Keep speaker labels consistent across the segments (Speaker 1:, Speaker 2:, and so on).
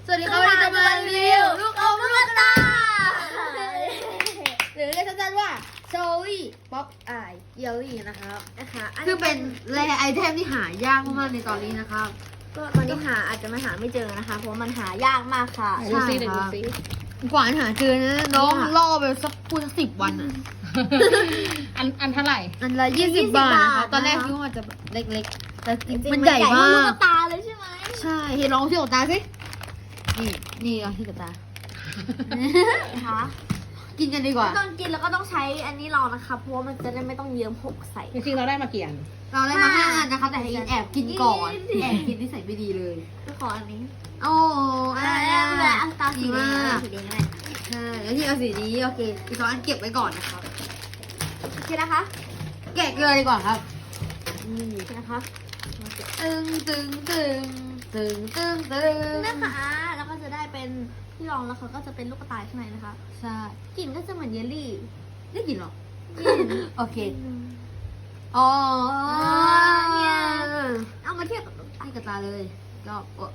Speaker 1: สวัสดีครับวันนี้จะมารีวิวลูกอมลูกตาหรือเรียกสั้นๆว่าโชวี่ป๊อปอายเยลลี่นะครับคือเป็นแรไอเทมที่หายากมากๆในตอนนี้นะครับ
Speaker 2: ก็ตอนนี้อาจจะไม่หาไม่เจอนะคะเพราะมันหายากมากค่ะ
Speaker 1: ใช่ครับกว่าจะหาเจอนะน้องล่อไปสัก10 วันอ่ะ
Speaker 3: อันเท่าไหร่
Speaker 1: อันละ20 บาทนะครับตอนแรกคิดว่ามันจะเล็กๆแต่จริงๆมันใหญ่มาก
Speaker 2: ลูกตาเลยใช่ไหม
Speaker 1: ใช่เห็นลองที่กับตาสินี่เอาที่กับตา
Speaker 2: นะคะ
Speaker 1: กินกันดีกว่า
Speaker 2: ตอนกินแล้วก็ต้องใช้อันนี้รองนะคะเพราะว่ามันจะได้ไม่ต้องเยิ้มหกใส่
Speaker 3: จริงๆเราได้มากี่อัน
Speaker 1: เราได้มา5 อันนะคะแต่ให้อินแอบกินก่อนแอบกินที่ใส่ไม่ดีเลย
Speaker 2: ก็ขออันนี้
Speaker 1: โอ้
Speaker 2: เอาตาสีแดงสีแดงก็ได้
Speaker 1: ใช่แล้วที่เอาสีนี้โอเคอีก2 อันเก็บไว้ก่อนนะครับ
Speaker 2: โอเคนะคะ
Speaker 1: แกะเลยดีกว่าครับ
Speaker 2: โอเคนะคะ
Speaker 1: ตึง
Speaker 2: นะคะแล้วก็จะได้เป็นที่รองแล้วเขาก็จะเป็นลูกกระต่ายข้างในนะคะ
Speaker 1: ใช่
Speaker 2: กลิ่นก็จะเหมือนเยลลี่
Speaker 1: ได้กินหรอโอเคอ๋อ
Speaker 2: เนี่ยเอามาเทียบกับ
Speaker 1: ให้กับตาเลยก็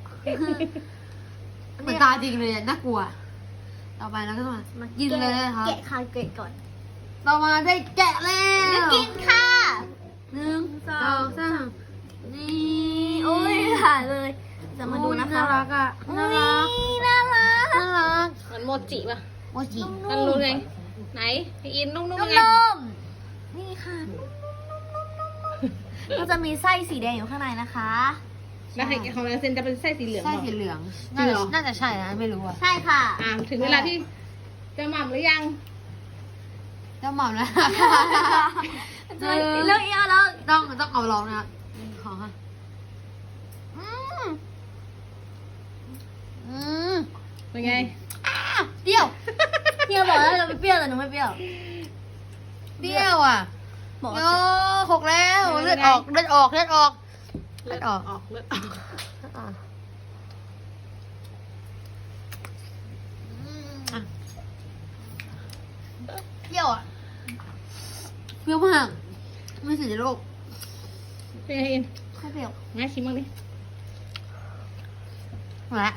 Speaker 1: เหมือนตาจริงเลยน่ากลัวต่อไปเราก็ต้องมากินเลยนะครับ
Speaker 2: แกะคาเกตก่อน
Speaker 1: ต่อมาได้แกะแล้ว
Speaker 2: กินค่ะ
Speaker 1: 1 2 3นี่
Speaker 2: โอ้ยถ่ายเลยจะมาดูนะคะ
Speaker 1: น่ารักอ่ะน่ารัก
Speaker 2: น่ารัก
Speaker 1: น่ารัก
Speaker 3: มันโมจิป่ะ
Speaker 1: โมจิ
Speaker 3: มันรู้ไง ไหนพี่อินนุ่มๆ
Speaker 2: นุ่
Speaker 3: ไง
Speaker 2: มๆนี่ค่ะก็จะมีไส้สีแดงอยู่ข้างในนะคะ
Speaker 3: แล้วของเราเซนจะเป็นไส้สีเหลือง
Speaker 1: ไส้
Speaker 3: บอก
Speaker 1: สีเหลือง
Speaker 3: จริงเหรอ
Speaker 1: น่าจะใช่นะไม่รู้อ่ะ
Speaker 2: ใช่ค่ะ
Speaker 3: ถึงเวลาที่จะหม่ำหรือยัง
Speaker 1: เจ้าหม่อมนะ
Speaker 2: เลือกเอียแล้ว
Speaker 1: ต้องเอาลองนะครับขอค่ะ
Speaker 3: เป็นไง
Speaker 1: เปรี้ยว
Speaker 2: เฮียบอกแล้วเราไม่เปรี้ยวแต่หนูไม่เปรี้ยว
Speaker 1: เปรี้ยวอ่ะ
Speaker 2: บอก
Speaker 1: โอ้หกแล้วเลือดออกเลือดออกเลือดออก
Speaker 3: เลือดออกเลือดออก
Speaker 1: เปรี้ยวอ่ะเปรี้ยวมากไม่สุดในโลก
Speaker 3: เป็นไงอิน
Speaker 2: ไม่เปรี้ยว
Speaker 3: งั้นชิมบ้างดิ
Speaker 1: มาละ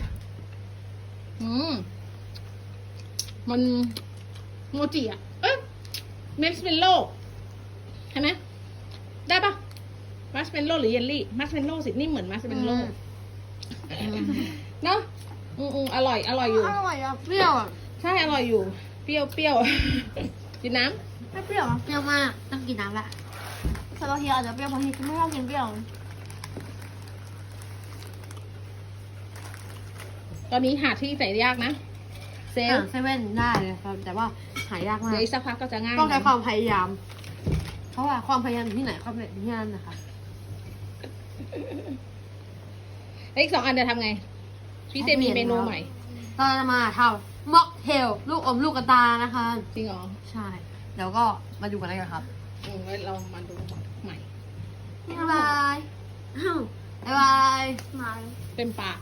Speaker 3: มันโมจิอ่ะ เอ๊ะเมสเมลโล่ใช่ไหมได้ปะมัสเมลโล่หรือเยลลี่มัสเมลโล่สินี่เหมือนมัสเมลโล่เนาะอร่อยอยู่
Speaker 2: อร่อยอ่ะ
Speaker 1: เปรี้ยวอ่ะ
Speaker 3: ใช่อร่อยอยู่ เปรี้ยวกินน้
Speaker 2: ไม่เปรี้ยวอ่ะ
Speaker 1: เปรี้ยวมากต้องกินน้ำละ
Speaker 2: สำหรับเฮียอาจจะเปรี้ยวเพราะเฮียไม่ชอบกินเปรี้ยว
Speaker 3: ำตอนนี้หาที่ใส่ยากนะเซล
Speaker 1: เซเว่นได้เลยครับแต่ว่าหายากมาก
Speaker 3: เดี๋ยวอีกสักพักก็จะง่าย
Speaker 1: ต้องใช้ความพยายาม เพราะว่าความพยายามอยู่ที่ไหนความสำเร็จอยู่ที่นั่นนะคะ
Speaker 3: แล้วอีก2 อันจะทำไงพี่เซมีเมนูใหม่
Speaker 1: เราจะมาทำม็อกเทลลูกอมลูกกระตานะคะ
Speaker 3: จริงเหรอ
Speaker 1: ใช่เดี๋ยวก็มาดูกันเลยครับ
Speaker 3: ไว้เรามาดูใหม่
Speaker 1: บ๊ายบายอ้าวบ๊ายบาย
Speaker 2: มา
Speaker 3: เต็มปาก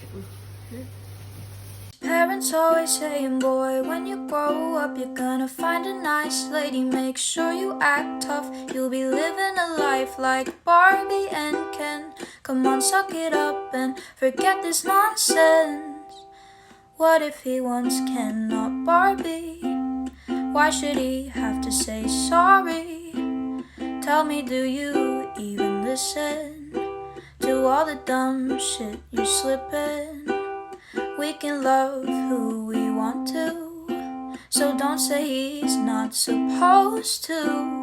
Speaker 4: Parents always saying, boy, when you grow up, you're gonna find a nice lady. Make sure you act tough. You'll be living a life like Barbie and Ken. Come on, suck it up and forget this nonsense. What if he wants Ken, not Barbie? Why should he have to say sorry? Tell me, do you even listen to all the dumb shit you slip in?We can love who we want to, so don't say he's not supposed to.